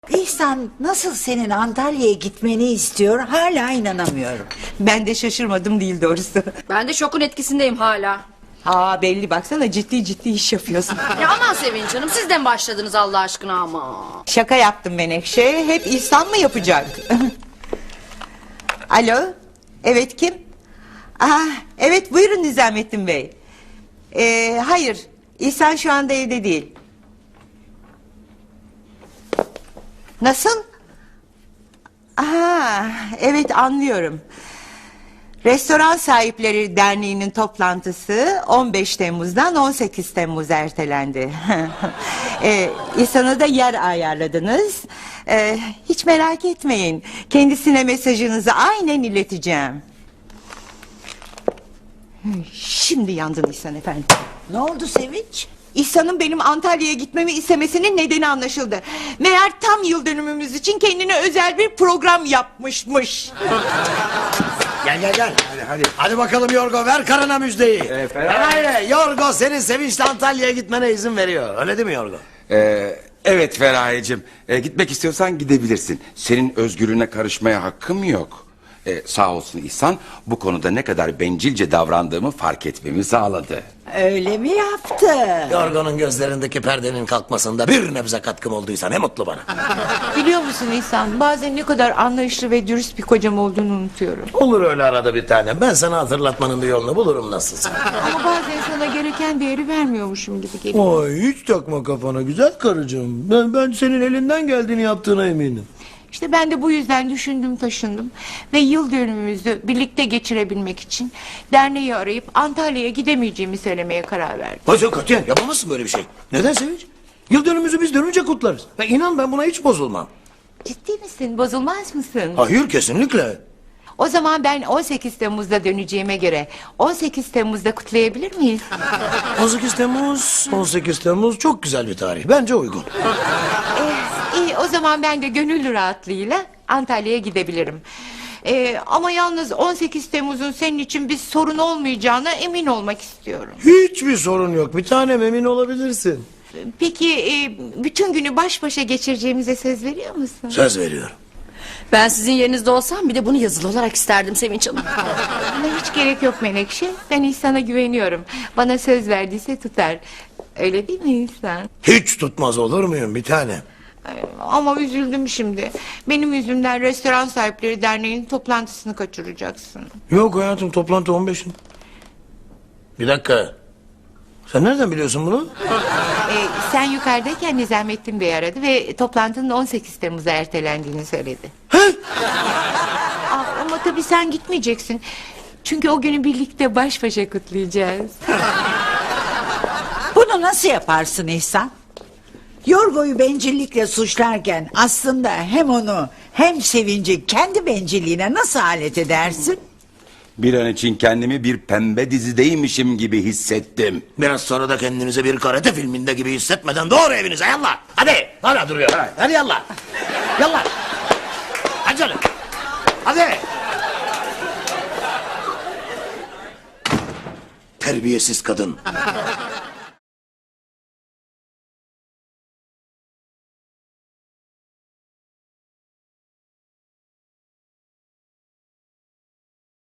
İhsan nasıl senin Antalya'ya gitmeni istiyor hala inanamıyorum. Ben de şaşırmadım değil doğrusu. Ben de şokun etkisindeyim hala. Ha belli, baksana ciddi ciddi iş yapıyorsun. Ya aman Sevinç Hanım, siz de mi başladınız Allah aşkına ama? Şaka yaptım Menekşe. Hep İhsan mı yapacak? Alo. Evet, kim? Evet, buyurun Nizamettin Bey. Hayır, İhsan şu anda evde değil. Nasıl? Evet, anlıyorum. Restoran Sahipleri Derneği'nin toplantısı 15 Temmuz'dan 18 Temmuz ertelendi. İhsan'a da yer ayarladınız. Hiç merak etmeyin. Kendisine mesajınızı aynen ileteceğim. Şimdi yandın İhsan efendi. Ne oldu Sevinç? İhsan'ın benim Antalya'ya gitmemi istemesinin nedeni anlaşıldı. Meğer tam yıl dönümümüz için kendine özel bir program yapmışmış. Gel. Hadi bakalım Yorgo, ver karına müjdeyi. Feraye, Yorgo senin Sevinç'le Antalya'ya gitmene izin veriyor. Öyle değil mi Yorgo? Evet Feraye'cim, gitmek istiyorsan gidebilirsin. Senin özgürlüğüne karışmaya hakkım yok. Sağ olsun İhsan, bu konuda ne kadar bencilce davrandığımı fark etmemi sağladı. Öyle mi yaptı? Yorgo'nun gözlerindeki perdenin kalkmasında bir nebze katkım olduysa ne mutlu bana. Biliyor musun İhsan, bazen ne kadar anlayışlı ve dürüst bir kocam olduğunu unutuyorum. Olur öyle arada bir tane. Ben sana hatırlatmanın bir yolunu bulurum nasılsa. Ama bazen sana gereken değeri vermiyormuşum gibi geliyor. Ay hiç takma kafana güzel karıcığım. Ben senin elinden geldiğini yaptığına eminim. İşte ben de bu yüzden düşündüm taşındım. Ve yıl dönümümüzü birlikte geçirebilmek için derneği arayıp Antalya'ya gidemeyeceğimi söylemeye karar verdim. Hayır katiyen yapamazsın böyle bir şey. Neden Sevinç? Yıl dönümümüzü biz dönünce kutlarız. Ve inan ben buna hiç bozulmam. Ciddi misin? Bozulmaz mısın? Hayır kesinlikle. O zaman ben 18 Temmuz'da döneceğime göre 18 Temmuz'da kutlayabilir miyiz? 18 Temmuz çok güzel bir tarih. Bence uygun. İyi, o zaman ben de gönül rahatlığıyla Antalya'ya gidebilirim. Ama yalnız 18 Temmuz'un senin için bir sorun olmayacağına emin olmak istiyorum. Hiçbir sorun yok. Bir tanem emin olabilirsin. Peki bütün günü baş başa geçireceğimize söz veriyor musun? Söz veriyorum. Ben sizin yerinizde olsam bir de bunu yazılı olarak isterdim Sevinç Hanım. Buna hiç gerek yok Menekşe. Ben İhsan'a güveniyorum. Bana söz verdiyse tutar. Öyle değil mi İhsan? Hiç tutmaz olur muyum bir tanem? Ama üzüldüm şimdi. Benim yüzümden Restoran Sahipleri Derneği'nin toplantısını kaçıracaksın. Yok hayatım toplantı 15'in. Bir dakika. Sen nereden biliyorsun bunu? Sen yukarıdayken Nizamettin Bey aradı ve toplantının 18 Temmuz'a ertelendiğini söyledi. Ama tabii sen gitmeyeceksin. Çünkü o günü birlikte baş başa kutlayacağız. Bunu nasıl yaparsın İhsan? Yorgo'yu bencillikle suçlarken aslında hem onu hem Sevinci kendi bencilliğine nasıl alet edersin? Bir an için kendimi bir pembe dizideymişim gibi hissettim. Biraz sonra da kendinizi bir karate filminde gibi hissetmeden doğru evinize yallah. Hadi. Hala duruyor. Hadi yallah. Yallah. Hadi canım. Hadi. Terbiyesiz kadın.